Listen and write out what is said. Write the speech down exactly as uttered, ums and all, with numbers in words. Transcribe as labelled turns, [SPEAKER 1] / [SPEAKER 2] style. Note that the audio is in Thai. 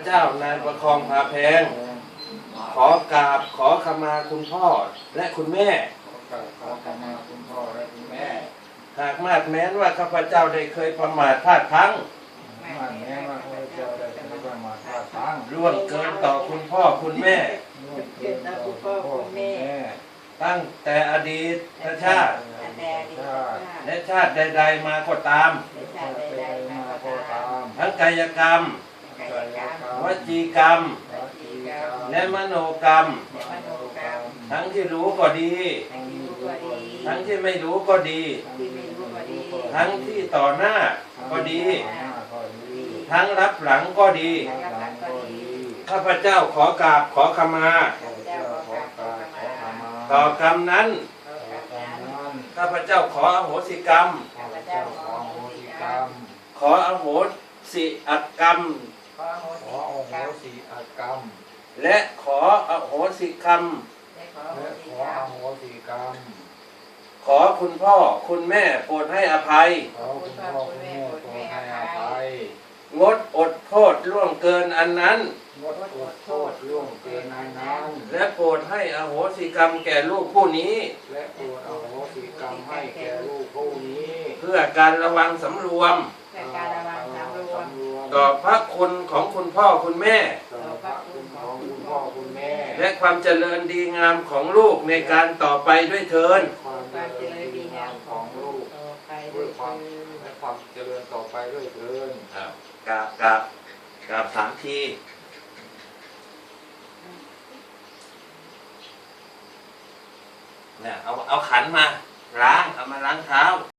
[SPEAKER 1] จ้านายประคองพาแพงขอกราบขอขมาคุณพ่อและคุณแม่
[SPEAKER 2] ขอกราบขอขมาคุณพ่อและคุณแม่
[SPEAKER 1] หากมาดแม้นว่าข้าพเจ้าได้เคยประมาทพลาดพลั้ง
[SPEAKER 2] มาดแม้ว่าข้าพเจ้าได้เคยประมาทพลาดพลั้ง
[SPEAKER 1] ล่วงเกินต่อคุณพ่อคุณแม่
[SPEAKER 2] ล่วงเกินต่อคุณพ่อคุณแม่
[SPEAKER 1] ตั้งแต่อดีตชาติและชาติใดๆมาก็ตามทั้งกายกรรมวจีกรรมและมโนกรรมทั้งที่รู้ก็ดีทั้งที่ไม่รู้ก็ดีทั้งที่ต่อหน้าก็ดีทั้งรับหลังก็ดีข้าพเจ้าขอกราบขอขมาต่อกรรมนั้นข้าพเจ้าขออโหสิกรรมขออโหสิกรรม
[SPEAKER 2] ขออโหสิกรรม
[SPEAKER 1] และขออโหสิกรรม
[SPEAKER 2] และขออโหสิกรรม
[SPEAKER 1] ขอคุณพ่อคุณแม่โปรดให้อภัย
[SPEAKER 2] ขอคุณพ่อคุณแม่โปรดให้อภัย
[SPEAKER 1] งดอดโทษล่วงเกินอันนั้น
[SPEAKER 2] งดอดโทษล่วงเกินอันนั้น
[SPEAKER 1] และโปรดให้อโหสิกรรมแก่ลูกผู้นี้
[SPEAKER 2] และโปรดอโหสิกรรมให้แก่ลูกผู้นี้
[SPEAKER 1] เพื่อการระวังสำรวมต่อพระคุณของคุณพ่อคุณแม่และความเจริญดีงามของลูกในการต่อไปด้วยเถิด
[SPEAKER 2] ความเจริญดีงามของลูกด้วยความและความเจริญต่อไปด้วยเถิด
[SPEAKER 1] กราบกราบกราบสามทีเนี่ยเอาเอาขันมาล้างเอามาล้างเท้า